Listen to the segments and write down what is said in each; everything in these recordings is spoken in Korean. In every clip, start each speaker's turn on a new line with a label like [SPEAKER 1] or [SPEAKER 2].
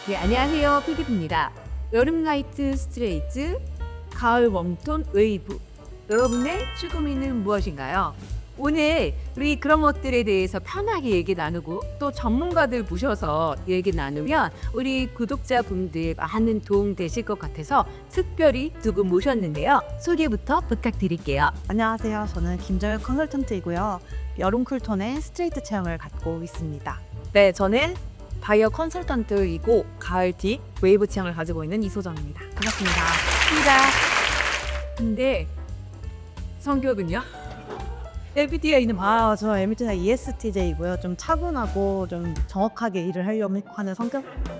[SPEAKER 1] 네, 안녕하세요. 피디입니다. 여름 라이트 스트레이트, 가을 웜톤 웨이브. 여러분의 추구미는 무엇인가요? 오늘 우리 그런 것들에 대해서 편하게 얘기 나누고 또 전문가들 모셔서 얘기 나누면 우리 구독자분들 많은 도움 되실 것 같아서 특별히 두 분 모셨는데요. 소개부터 부탁드릴게요.
[SPEAKER 2] 안녕하세요. 저는 김정혁 컨설턴트이고요. 여름 쿨톤의 스트레이트 체형을 갖고 있습니다.
[SPEAKER 3] 네, 저는 바이어 컨설턴트이고 가을 딥 웨이브 취향을 가지고 있는 이소정입니다. 반갑습니다.
[SPEAKER 1] 근데 성격은요? MBTI는
[SPEAKER 2] 저 MBTI ESTJ이고요. 좀 차분하고 좀 정확하게 일을 하려고 하는 성격?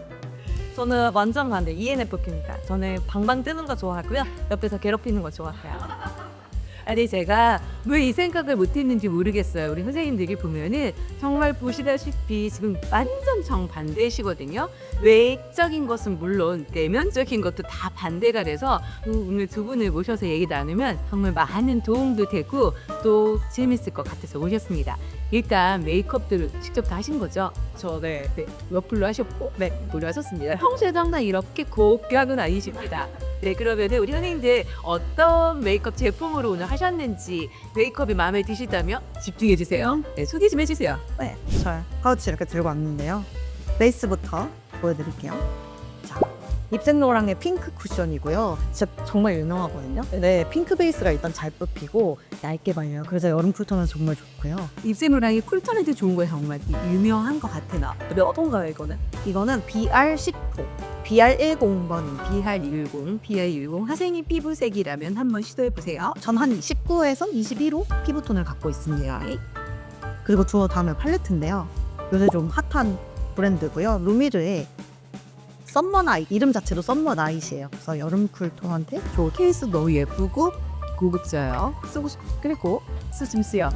[SPEAKER 3] 저는 완전 반대 ENFP입니다. 저는 방방 뜨는 거 좋아하고요. 옆에서 괴롭히는 거 좋아해요.
[SPEAKER 1] 아니 제가 왜 이 생각을 못했는지 모르겠어요. 우리 선생님들이 보면은 정말 보시다시피 지금 완전 정반대시거든요. 외적인 것은 물론 내면적인 것도 다 반대가 돼서 오늘 두 분을 모셔서 얘기 나누면 정말 많은 도움도 되고 또 재밌을 것 같아서 모셨습니다. 일단 메이크업들을 직접 다 하신 거죠?
[SPEAKER 3] 네.
[SPEAKER 1] 러플로 하셨고
[SPEAKER 3] 네.
[SPEAKER 1] 머리 하셨습니다. 평소에도 항상 이렇게 곱게 하고는 아니십니다. 네, 그러면은 우리 선생님들 어떤 메이크업 제품으로 오늘 하셨는지 메이크업이 마음에 드시다면 집중해 주세요. 네, 소개 좀 해주세요.
[SPEAKER 2] 네, 저 파우치 이렇게 들고 왔는데요. 베이스부터 보여드릴게요. 자, 입생로랑의 핑크 쿠션이고요. 진짜 정말 유명하거든요. 네, 핑크 베이스가 일단 잘 뽑히고 얇게 발려요. 그래서 여름 쿨톤은 정말 좋고요.
[SPEAKER 1] 입생로랑이 쿨톤에도 좋은 거예요. 정말 유명한 것 같아 나.
[SPEAKER 3] 근데 어떤가요, 이거는?
[SPEAKER 2] 이거는 BR10호, BR10번입니다.
[SPEAKER 1] BR10, BR10 선생님 피부색이라면 한번 시도해 보세요.
[SPEAKER 2] 전 한 19에서 21호 피부톤을 갖고 있습니다. 그리고 저 다음에 팔레트인데요. 요새 좀 핫한 브랜드고요. 루미르의 썸머나잇, 이름 자체도 썸머나잇이에요. 그래서 여름 쿨톤한테 좋은
[SPEAKER 1] 케이스 너무 예쁘고 고급져요. 쓰고 싶 그리고 쓰심쓰요.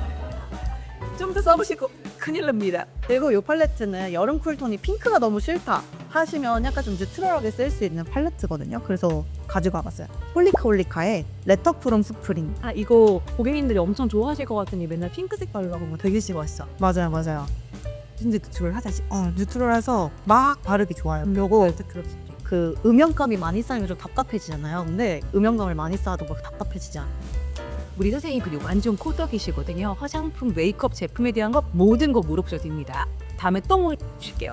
[SPEAKER 1] 좀 더 써보시고 큰일 납니다.
[SPEAKER 2] 그리고 이 팔레트는 여름 쿨톤이 핑크가 너무 싫다 하시면 약간 좀 뉴트럴하게 쓸 수 있는 팔레트거든요. 그래서 가지고 와봤어요. 홀리카의 레터 프롬 스프링.
[SPEAKER 3] 아, 이거 고객님들이 엄청 좋아하실 것 같으니 맨날 핑크색 바르라고 하면 되게 싫어하시죠?
[SPEAKER 2] 맞아요.
[SPEAKER 1] 진짜 뉴트럴하다시.
[SPEAKER 2] 뉴트럴해서 막 바르기 좋아요. 요거 그 음영감이 많이 쌓이면 좀 답답해지잖아요. 근데 음영감을 많이 쌓아도 막 답답해지지 않아요.
[SPEAKER 1] 우리 선생님 그리고 완전 코덕이시거든요. 화장품, 메이크업 제품에 대한 거 모든 거 물어보셔도 됩니다. 다음에 또 모실게요.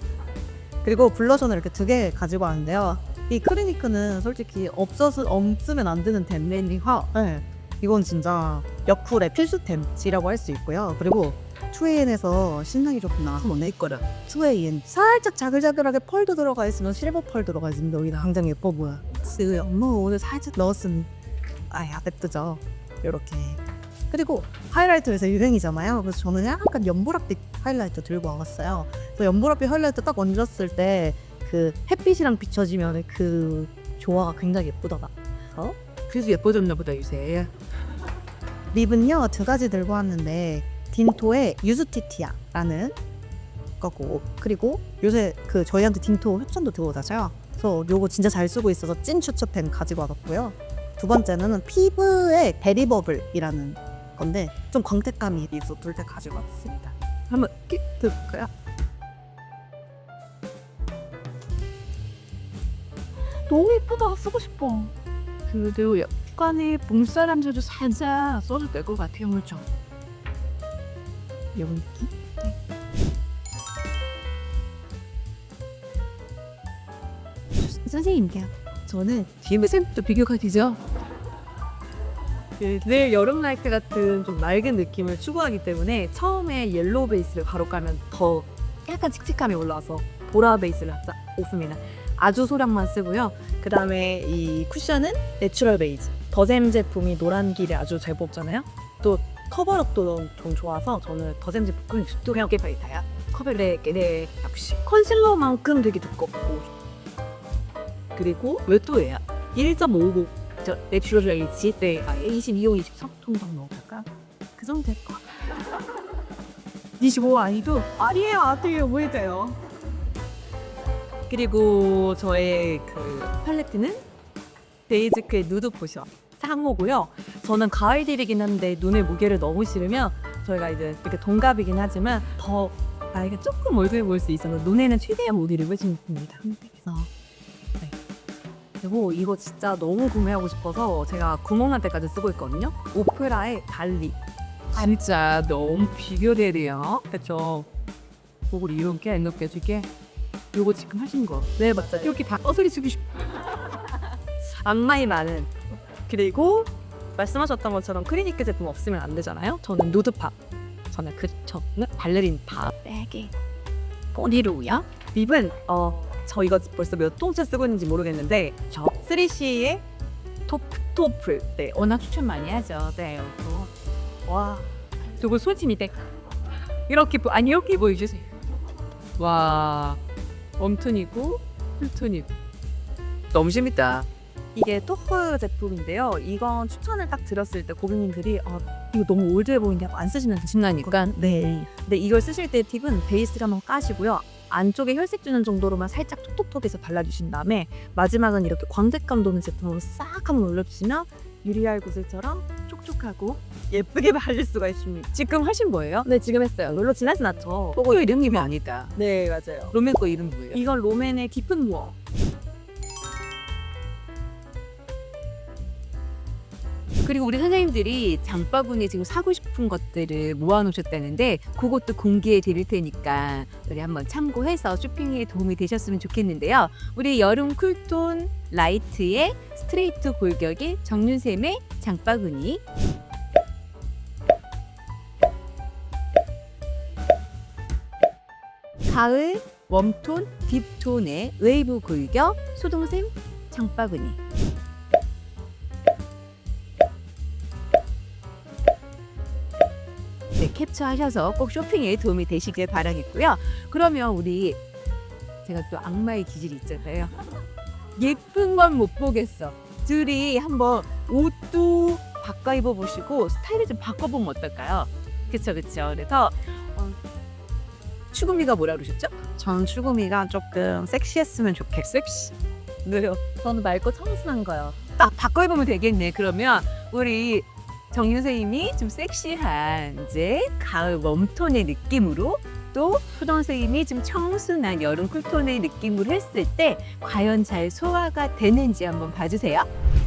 [SPEAKER 2] 그리고 블러셔는 이렇게 두 개 가지고 왔는데요. 이 크리니크는 솔직히 없으면 안 되는 댐네이화. 네. 이건 진짜 여쿨의 필수템이라고 할 수 있고요. 그리고 2AN에서 신상이 조금 나와서 내 거라. 2AN 살짝 자글자글하게 펄도 들어가 있으면 실버 펄 들어가 있으면 여기가 굉장히 예뻐 보여. 쓰요. 뭐 오늘 살짝 넣었으니 예쁘죠. 이렇게. 그리고 하이라이터 요새 유행이잖아요. 그래서 저는 약간 연보라빛 하이라이터 들고 와봤어요. 또 연보라빛 하이라이터 딱 얹었을 때 그 햇빛이랑 비춰지면 그 조화가 굉장히 예쁘더라.
[SPEAKER 1] 그래서 예뻐졌나 보다 요새.
[SPEAKER 2] 립은요 두 가지 들고 왔는데 딘토의 유스티티아라는 거고, 그리고 요새 그 저희한테 딘토 협찬도 들어오잖아요. 그래서 요거 진짜 잘 쓰고 있어서 찐 추천템 가지고 와봤고요. 두 번째는 피부의 베리버블이라는 건데 좀 광택감이 있어 둘 다 가지고 왔습니다.
[SPEAKER 1] 한번 끼 들어볼까요?
[SPEAKER 3] 너무 예쁘다. 쓰고 싶어.
[SPEAKER 1] 그래도 약간의 봄사람들도 살짝 써도 될 것 같아요. 그렇죠? 이런 느낌? 선생님께요. 저는 뒤에 샘플도 비교가 되죠?
[SPEAKER 3] 늘 여름 라이트 같은 좀 맑은 느낌을 추구하기 때문에 처음에 옐로우 베이스를 바로 깔면 더 약간 칙칙함이 올라와서 보라 베이스를 씁니다. 아주 소량만 쓰고요. 그 다음에 이 쿠션은 내추럴 베이지. 더샘 제품이 노란 길에 아주 잘 뽑잖아요. 또 커버력도 좀 좋아서 저는 더샘 제품 또 그냥 꽤 베이타야. 커버력에 네, 역시 컨실러만큼 되게 두껍고, 그리고 웨토예요. 1.59 저 내추럴 베이지 네, 22호 23톤 정도 넣을까? 그 정도 될 것 같아요. 25 아니도 아니에요 보이세요. 그리고 저의 그 팔레트는 데이즈크의 누드 포션 상호고요. 저는 가을 딜이긴 한데 눈의 무게를 너무 싫으면 저희가 이제 이렇게 동갑이긴 하지만 더 나이가 조금 어려 보일 수 있어서 눈에는 최대한 못 이루고 있습니다. 그래서 네. 그리고 이거 진짜 너무 구매하고 싶어서 제가 구멍 날 때까지 쓰고 있거든요. 오프라의 달리.
[SPEAKER 1] 진짜 너무 비교되네요. 그렇죠. 그걸 이렇게 두개. 요거 지금 하신 거.
[SPEAKER 3] 네, 맞아요.
[SPEAKER 1] 이렇게 다 떠소리 쓰기 쉽.
[SPEAKER 3] 악마이 많은. 그리고 말씀하셨던 것처럼 클리니크 제품 없으면 안 되잖아요. 저는 누드팝. 저는 발레린 팝.
[SPEAKER 1] 빼기. 꼬리로요?
[SPEAKER 3] 립은 저 이거 벌써 몇 통째 쓰고 있는지 모르겠는데 저 3CE의 토플. 네.
[SPEAKER 1] 워낙 추천 많이 하죠. 네.
[SPEAKER 3] 와.
[SPEAKER 1] 그리고 솔직히 이렇게 이렇게 보여주세요. 와, 웜톤이고 쿨톤이고 너무 재밌다.
[SPEAKER 3] 이게 토프 제품인데요. 이건 추천을 딱 드렸을 때 고객님들이 이거 너무 올드해 보이는데 안 쓰시는
[SPEAKER 1] 신나니까.
[SPEAKER 3] 네. 근데 이걸 쓰실 때 팁은 베이스를 한번 까시고요. 안쪽에 혈색 주는 정도로만 살짝 톡톡톡해서 발라주신 다음에 마지막은 이렇게 광택감 도는 제품으로 싹 한번 올려주시면 유리알 구슬처럼 촉촉하고 예쁘게 바를 수가 있습니다.
[SPEAKER 1] 지금 하신 거예요?
[SPEAKER 3] 네, 지금 했어요. 롤러 지나진 않죠.
[SPEAKER 1] 그거 이름이 아니다.
[SPEAKER 3] 네, 맞아요.
[SPEAKER 1] 로맨 거 이름 뭐예요?
[SPEAKER 3] 이건 롬앤의 깊은 무어.
[SPEAKER 1] 그리고 우리 선생님들이 장바구니에 지금 사고 싶은 것들을 모아놓으셨다는데 그것도 공개해 드릴 테니까 우리 한번 참고해서 쇼핑에 도움이 되셨으면 좋겠는데요. 우리 여름 쿨톤 라이트의 스트레이트 골격의 정윤샘의 장바구니, 가을 웜톤 딥톤의 웨이브 골격 소동샘 장바구니, 네, 캡처하셔서 꼭 쇼핑에 도움이 되시길 바라겠고요. 그러면 우리 제가 또 악마의 기질이 있잖아요. 예쁜 건 못 보겠어. 둘이 한번 옷도 바꿔 입어보시고 스타일을 좀 바꿔보면 어떨까요? 그쵸. 그래서 추구미가 뭐라 그러셨죠?
[SPEAKER 2] 전 추구미가 조금 섹시했으면 좋겠어요.
[SPEAKER 1] 섹시.
[SPEAKER 3] 네요. 저는 맑고 청순한 거요.
[SPEAKER 1] 딱 바꿔 입으면 되겠네. 그러면 우리 정윤 선생님이 좀 섹시한 이제 가을 웜톤의 느낌으로 또 소정 선생님이 좀 청순한 여름 쿨톤의 느낌으로 했을 때 과연 잘 소화가 되는지 한번 봐주세요.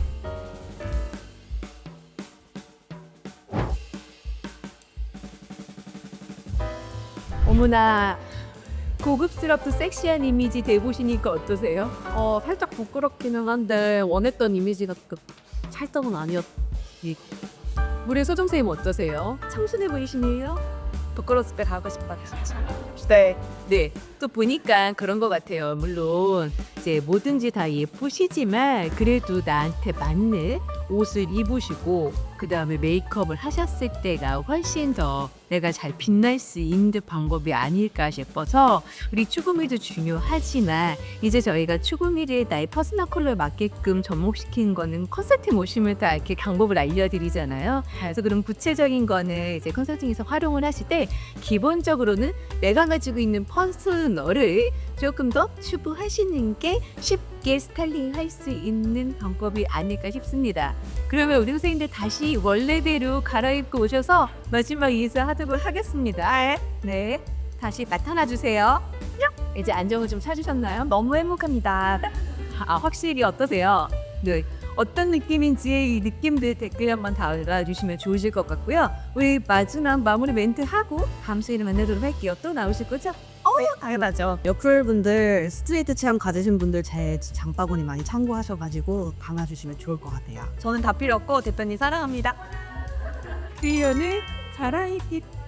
[SPEAKER 1] 어머나 고급스럽고 섹시한 이미지 돼보시니까 어떠세요?
[SPEAKER 3] 살짝 부끄럽기는 한데 원했던 이미지가 찰떡은 아니었.
[SPEAKER 1] 우리 소정 선생님 어떠세요?
[SPEAKER 3] 청순해 보이시네요. 부끄러웠을 때 가고 싶다.
[SPEAKER 1] 네. 네. 또 보니까 그런 것 같아요. 물론 이제 뭐든지 다 예쁘시지만 그래도 나한테 맞는 옷을 입으시고 그 다음에 메이크업을 하셨을 때가 훨씬 더 내가 잘 빛날 수 있는 방법이 아닐까 싶어서 우리 추구미도 중요하지만 이제 저희가 추구미를 나의 퍼스널 컬러에 맞게끔 접목시키는 거는 컨설팅 오시면 다 이렇게 방법을 알려드리잖아요. 그래서 그런 구체적인 거는 이제 컨설팅에서 활용을 하실 때 기본적으로는 내가 가지고 있는 퍼스널을 조금 더 추구하시는 게 쉽게 스타일링할 수 있는 방법이 아닐까 싶습니다. 그러면 우리 선생님들 다시 원래대로 갈아입고 오셔서 마지막 인사하도록 하겠습니다. 네, 다시 나타나 주세요. 이제 안정을 좀 찾으셨나요?
[SPEAKER 3] 너무 행복합니다.
[SPEAKER 1] 확실히 어떠세요? 네. 어떤 느낌인지 이 느낌들 댓글 한번 달아주시면 좋으실 것 같고요. 우리 마지막 마무리 멘트 하고 다음 시간에 만나도록 할게요. 또 나오실 거죠?
[SPEAKER 2] 당연하죠. 여쿨분들 스트레이트 체형 가지신 분들 제 장바구니 많이 참고하셔가지고 담아주시면 좋을 것 같아요.
[SPEAKER 3] 저는 다 필요 없고 대표님 사랑합니다.
[SPEAKER 1] 클리어는 자랑이기